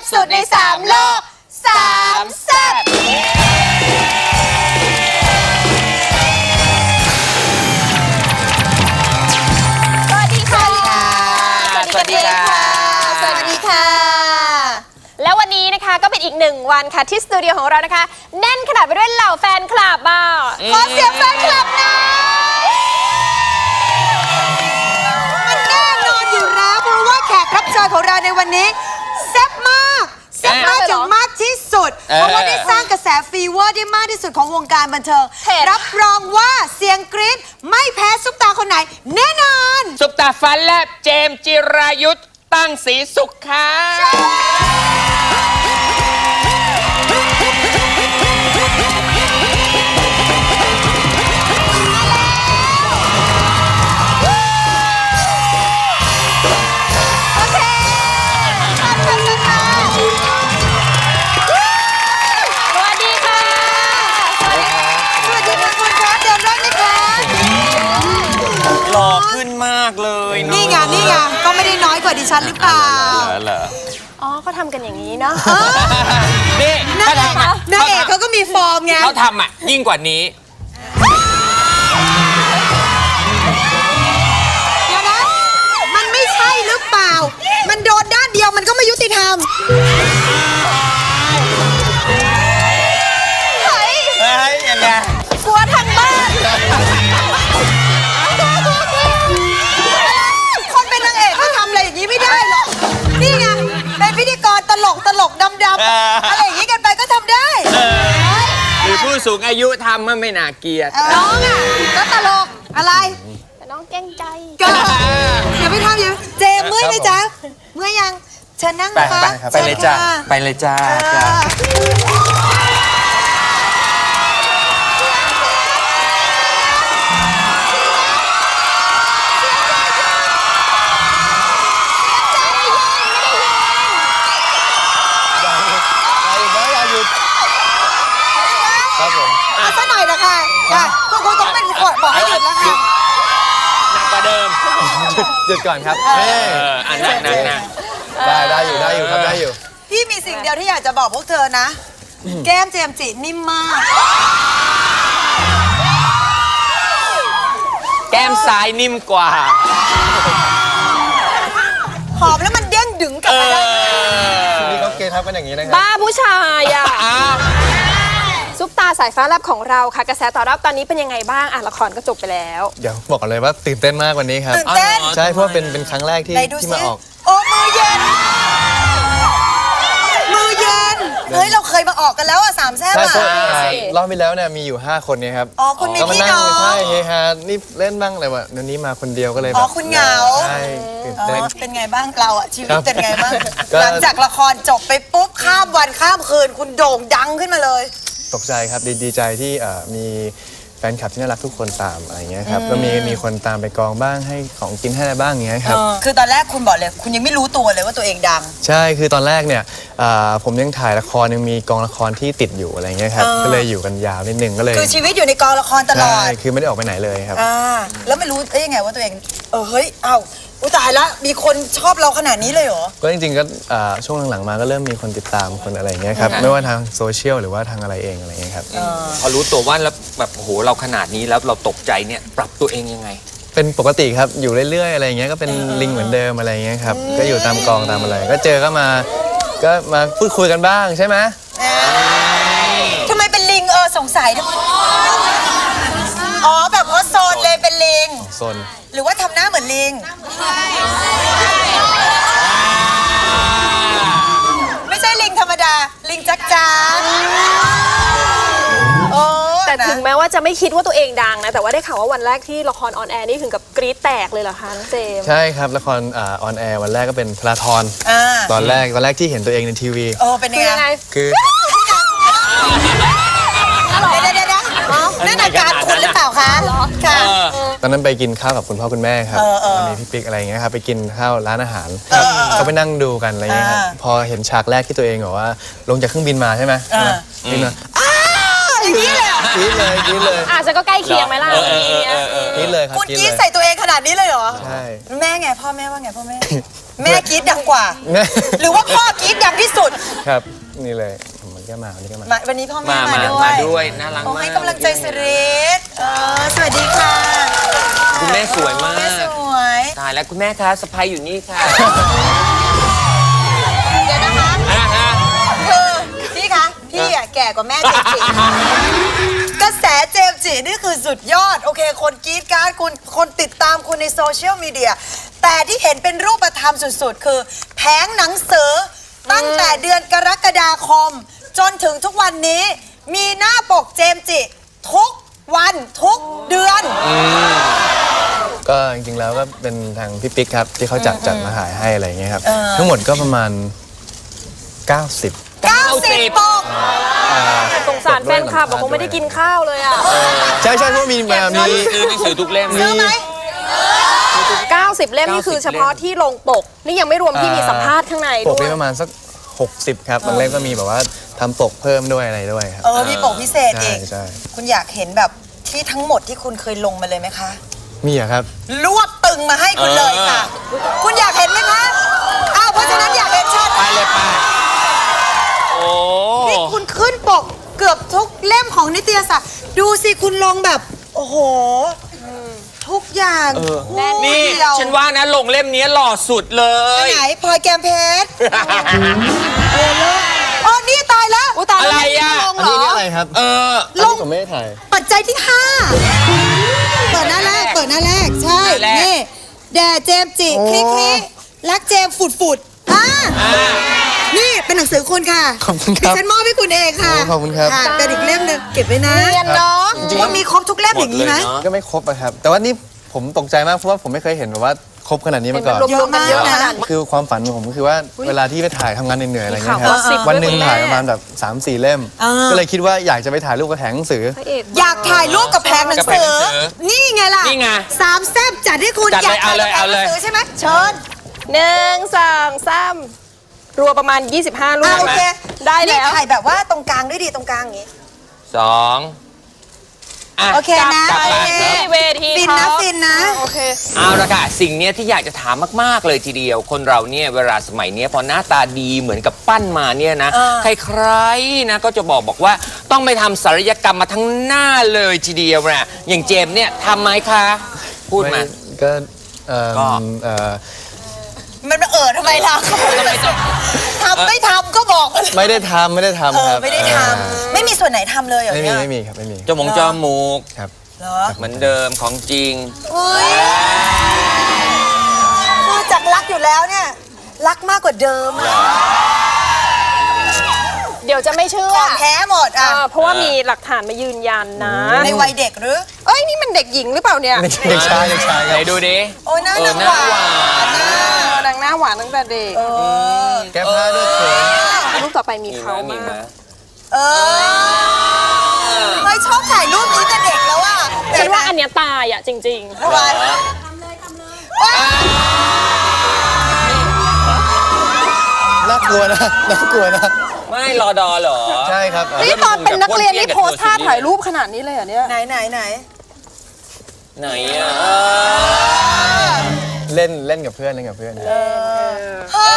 สุดใน3โลก3แซ่บสวัสดีค่ะสวัสดีค่ะสวัสดีค่ะแล้ววันนี้นะคะก็เป็นอีก1วันค่ะที่สตูดิโอของเรานะคะแน่นขนาดไปด้วยเหล่าแฟนคลับอ่ะขอเสียงแฟนคลับหน่อยมันแน่นอนอยู่แล้วเพราะว่าแขกรับเชิญของเราในวันนี้แซ่บมากแซ่บมากถึงมากที่สุดเพราะว่าได้สร้างกระแสฟีเวอร์ได้มากที่สุดของวงการบันเทิงรับรองว่าเสียงกรี๊ดไม่แพ้ซุปตาคนไหนแน่นอนซุปตาฟันแลบเจมส์จิรายุทธตั้งศรีสุขค่ะหล่อขึ้นมากเลยนี่ไงนี่ไงก็ไม่ได้น้อยกว่าดิฉันหรือเปล่าอ๋อเขาทำกันอย่างนี้เนาะนี่นางเอกเขาก็มีฟอร์มไงเขาทำอ่ะยิ่งกว่านี้เดี๋ยวนะมันไม่ใช่หรือเปล่ามันโดนด้านเดียวมันก็ไม่ยุติธรรมเฮ้ยยังไงกลัวทางบ้านคนเป็นนางเอกก็ทำอะไรอย่างนี้ไม่ได้หรอกนี่ไงเป็นพิธีกรตลกดำอะไรอย่างนี้กันไปก็ทำได้หรือผู้สูงอายุทำมันไม่น่าเกลียดน้องอ่ะก็ตลกอะไรแต่น้องแกล้งใจก็อย่าไปทำอย่าเจมเมื่อยไหมจ๊ะเมื่อยยังเชิญนั่งนะคะไปเลยจ้าไปเลยจ้าครับผมเอาซะหน่อยนะคะคุณต้องเป็นขวดบอกให้หยุดแล้วค่ะหนักกว่าเดิมหยุดก่อนครับอันนั้นได้อยู่ครับได้อยู่พี่มีสิ่งเดียวที่อยากจะบอกพวกเธอนะแก้มเจมส์จินิ่มมากแก้มซ้ายนิ่มกว่าหอมแล้วมันเด้งดึงกลับมาได้นี่เขาเกทับกันอย่างนี้นะครับบ้าผู้ชายอ่ะซุปตาสายฟ้าแลบของเราค่ะกระแสตอบรับตอนนี้เป็นยังไงบ้างละครก็จบไปแล้วเดี๋ยวบอกเลยว่าตื่นเต้นมากวันนี้ครับตื่นเต้นใช่เพราะเป็นครั้งแรกที่มาออกโอ้มือเย็นเฮ้ยเราเคยมาออกกันแล้ว3แซ่บอ่ะรอบไปแล้วเนี่ยมีอยู่5คนเนี่ยครับอ๋อคุณมีพี่น้องใช่เฮฮานี่เล่นบ้างอะไรวะเดี๋ยวนี้มาคนเดียวก็เลยอ๋อคุณเหงาใช่ตื่นเต้นเป็นไงบ้างเราอ่ะชีวิตเป็นไงบ้างหลังจากละครจบไปปุ๊บข้ามวันข้ามคืนคุณโด่งดังขึ้นมาเลยตกใจครับดีใจที่มีแฟนคลับที่น่ารักทุกคนตามอะไรเงี้ยครับก็มีคนตามไปกองบ้างให้ของกินให้อะไรบ้างอย่างเงี้ยครับคือตอนแรกคุณบอกเลยคุณยังไม่รู้ตัวเลยว่าตัวเองดังใช่คือตอนแรกเนี่ยผมยังถ่ายละครยังมีกองละครที่ติดอยู่อะไรเงี้ยครับก็เลยอยู่กันยาวนิดนึงก็เลยคือชีวิตอยู่ในกองละครตลอดใช่คือไม่ได้ออกไปไหนเลยครับแล้วไม่รู้ได้ยังไงว่าตัวเองเฮ้ยเอ้าตายละมีคนชอบเราขนาดนี้เลยเหรอก็จริงๆก็ช่วงหลังๆมาก็เริ่มมีคนติดตามคนอะไรเงี้ยครับไม่ว่าทางโซเชียลหรือว่าทางอะไรเองอะไรเงี้ยครับพอรู้ตัวว่าแล้วแบบโหเราขนาดนี้แล้วเราตกใจเนี่ยปรับตัวเองยังไงเป็นปกติครับอยู่เรื่อยๆอะไรเงี้ยก็เป็นลิงเหมือนเดิมอะไรเงี้ยครับก็อยู่ตามกองตามอะไรก็เจอก็มาพูดคุยกันบ้างใช่ไหมทำไมเป็นลิงสงสัยอ๋อแบบเพราะโซนเลยเป็นลิงโซนหรือว่าทำหน้าเหมือนลิงไม่ใช่ลิงธรรมดาลิงจักจ้าแต่ถึงแม้ว่าจะไม่คิดว่าตัวเองดังนะแต่ว่าได้ข่าวว่าวันแรกที่ละครออนแอร์นี่ถึงกับกรี๊ดแตกเลยเหรอคะน้องเจมส์ใช่ครับละครออนแอร์วันแรกก็เป็นพลาทรตอนแรกที่เห็นตัวเองในทีวีเป็นยังไงคือนั่นอาการคุณหรือเปล่าคะค่ะตอนนั้นไปกินข้าวกับคุณพ่อคุณแม่ครับมีพี่ปิ๊กอะไรเงี้ยครับไปกินข้าวร้านอาหารก็ไปนั่งดูกันอะไรเงี้ยครับพอเห็นฉากแรกที่ตัวเองบอกว่าลงจากเครื่องบินมาใช่ไหมบินมาอย่างนี้เลยกรี๊ดเลยจะก็ใกล้เคียงไหมล่ะกรี๊ดเลยครับคุณกรี๊ดใส่ตัวเองขนาดนี้เลยเหรอใช่แม่ไงพ่อแม่ว่าไงพ่อแม่แม่กรี๊ดดังกว่าหรือว่าพ่อกรี๊ดดังที่สุดครับนี่เลยมันก็มาวันนี้ก็มาวันนี้พ่อแม่มามามาด้วยด้วยน่ารักโอ้มากให้กำลังใจสิริศสวัสดีค่ะคุณแม่สวยมาแม่กสวยตายแล้วคุณแม่คะสะพายอยู่นี่ค่ะเดี๋ยวนะคะ คือพี่คะพี่อะแก่กว่าแม่เจมส์จิกระแสเจมส์จินี่คือสุดยอด โอเคคนกรี๊ดกราร์ดคุณคนติดตามคุณในโซเชียลมีเดียแต่ที่เห็นเป็นรูปธรรมสุดๆ คือแผงหนังสือตั้งแต่เดือนกรกฎาคม จนถึงทุกวันนี้ มีหน้าปกเจมส์จิทุกวันทุกเดือนก็จริงๆแล้วก็เป็นทางพี่ปิ๊กครับที่เขาจัดมาขายให้อะไรอย่างเงี้ยครับทั้งหมดก็ประมาณ 90 90 ปกสงสารแฟนคลับบอกคงไม่ได้กินข้าวเลยอ่ะใช่เพราะมีซื้อหนังสือทุกเล่มซื้อไหม 90 เล่มนี่คือเฉพาะที่ลงปก นี่ยังไม่รวมที่มีสัมภาษณ์ข้างในปกด้วนี่ยประมาณสัก 60 ครับบางเล่มก็มีแบบว่าทำปกเพิ่มด้วยอะไรด้วยครับมีปกพิเศษอีกใช่คุณอยากเห็นแบบที่ทั้งหมดที่คุณเคยลงมาเลยไหมคะมีอะครับรวบตึงมาให้คุณเลยค่ะ คุณอยากเห็นไหมคะอ้าวเพราะฉะนั้นอยากเห็นชัดไปเลยไปโอ้นี่คุณขึ้นปกเกือบทุกเล่มของนิตยสารดูสิคุณลงแบบ โอ้โห ทุกอย่างคู่นี่เดียวฉันว่านะลงเล่มนี้หล่อสุดเลยไหนพลอยแกมเพชรโอ้นี่ตายแล้วอุ๊ยตายแล้วอะไรอะลงอันเหรนี้อนี่อะไรครับเอออันนี้ผมไม่ได้ถ่ายปัจจัยที่ 5 เปิดหน้าแรก ใช่หน้าแรกนี่ แด่เจมส์จิ คลิกรักเจมส์ฝุดนี่เป็นหนังสือคุณค่ะขอบคุณครับดิฉันมอบให้คุณเองค่ะโอ้ขอบคุณครับะเป็นอีกเล่มหนึงเก็บไว้นะเรียนเนาะคุณมีครบทุกเล่มอย่างนี้ไหมหมดเลยเนอะก็ไม่ครบอะครับ แต่ว่านี่ผมตกใจมากเพราะว่าผมไม่เคยเห็นแบบว่าครบขนาดนี้มาก่อนรวมๆกันเยอะขนาดนี้คือความฝันของผมก็คือว่าเวลาที่ไปถ่ายทำงานเหนื่อยๆอะไรเงี้ยคข่ารัวบกอสซิปวันหนึ่งด้วยคุณแม่ถ่ายประมาณแบบ 3-4 เล่ม ก็เลยคิดว่าอยากจะไปถ่ายรูปกระแถงหนังสือพระเอกอยากถ่ายรูปกับแผงหนังกับแผสืงหนัองสือนี่ไงล่ะนี่ไงสามแซ่บจัดให้คุณจัดเลยอยากถ่ายกับแผงเอาหเลนัยงสือใช่ไหมเชิญ 1 2 3รวมประมาณ 25 รูปโอเคได้แล้วนี่ถ่ายแบบว่าตรงกลางด้วยดีตรงกลางอย่างงี้สองอ่ะโอเคนะกลับไปโอเคที่เวทีฟินท็นะอปฟินนะโอเคเอาละค่ะสิ่งเนี้ยที่อยากจะถามมากๆเลยทีเดียว คนเราเนี่ยเวลาสมัยเนี้ยพอหน้าตาดีเหมือนกับปั้นมาเนี่ยนะ ใครๆนะก็จะบอกว่าต้องไปทำศัลยกรรมมาทั้งหน้าเลยทีเดียวนะอย่างเจมส์เนี่ยทำไหมคะ พูดมาก็เอ่อก็เอ่อมันทำไมล่ะทำไม่ทำก็บอกมาเลยไม่ได้ทำครับไม่ได้ทำไม่มีส่วนไหนทำเลยเหรอไม่มีเนี่ยไม่มีครับไม่มีจมูกครับเหรอเหมือนเดิมของจริงอุ้ยคือจากรักอยู่แล้วเนี่ย รักมากกว่าเดิมอะเดี๋ยวจะไม่เชื่อของแท้หมดอ่ะเพราะว่ามีหลักฐานมายืนยันนะในวัยเด็กหรือเอ้ย นี่มันเด็กหญิงหรือเปล่าเนี่ยเด็กชายไหนดูดิโอ้ยหน้าเออหนังหน้าหวานหวานนางหน้าหวานตั้งแต่เด็กแก้ผ้าด้วยเขินรูปต่อไปมีมีไหมเขามีไหมมากเออไม่ชอบถ่ายรูปนี้แต่เด็กแล้วอ่ะฉันว่าอันเนี้ยตายอ่ะจริงทำไมน่ากลัวนะน่ากลัวนะไม่รอดอเหรอใช่ครับๆ นี่ตอนเป็นนักเรียนนี่โพสท่าถ่ายรูปขนาดนี้เลยเหรอเนี่ยไหนไหนอ่ะเล่นกับเพื่อนเล่นกับเพื่อนเฮ้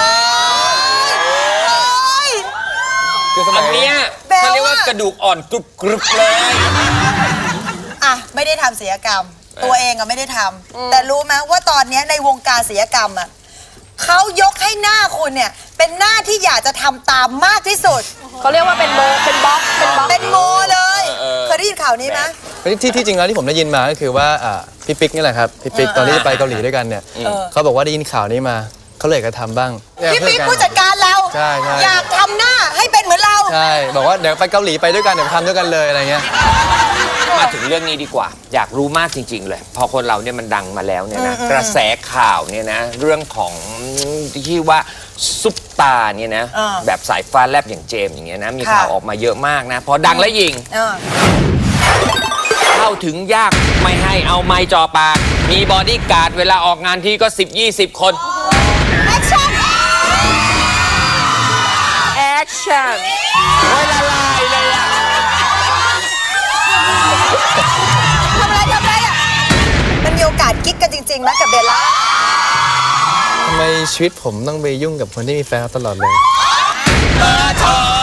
ยคือสอัมันยเนี้ยแปลว่าเขาเรียกว่ากระดูกอ่อนกรุบกรุบเลยอ่ะไม่ได้ทำศิลปกรรม ตัวเองอะไม่ได้ทำแต่รู้ไหมว่าตอนเนี้ยในวงการศิลปกรรมอะเขายกให้หน้าคุณเนี่ย เป็นหน้าที่อยากจะทำตามมากที่สุดเขาเรียกว่าเป็นโมเป็นบล็อกเป็นบล็อกเป็นโมเลยเคยได้ยินข่าวนี้ไหมที่จริงแล้วที่ผมได้ยินมาก็คือว่าพี่ปิ๊กนี่แหละครับพี่ปิ๊กตอนที่ไปเกาหลีด้วยกันเนี่ยเขาบอกว่าได้ยินข่าวนี้มาเขาเลยอยากจะทำบ้างพี่ปิ๊กผู้จัดการเราใช่ใช่อยากทำหน้าให้เป็นเหมือนเราใช่บอกว่าเดี๋ยวไปเกาหลีไปด้วยกันเดี๋ยวทำด้วยกันเลยอะไรเงี้ยมาถึงเรื่องนี้ดีกว่า อยากรู้มากจริง ๆ เลย พอคนเราเนี่ยมันดังมาแล้วเนี่ยนะกระแสข่าวเนี่ยนะเรื่องของที่ว่าซุปตาเนี่ยนะแบบสายฟ้าแลบอย่างเจมส์อย่างเงี้ยนะมีข่าวออกมาเยอะมากนะพอดังแล้วยิงเออเข้าถึงยากไม่ให้เอาไม้จ่อปาก มีบอดี้การ์ดเวลาออกงานที่ก็ 10-20 คนแอคชั่นแอคชั่นโอ้ยละลายเลยอะทำอะไรอ่ะมันมีโอกาสกิ๊กกันจริงๆไหมกับเบลล่าทำไมชีวิตผมต้องไปยุ่งกับคนที่มีแฟนตลอดเลยเบอร์โทร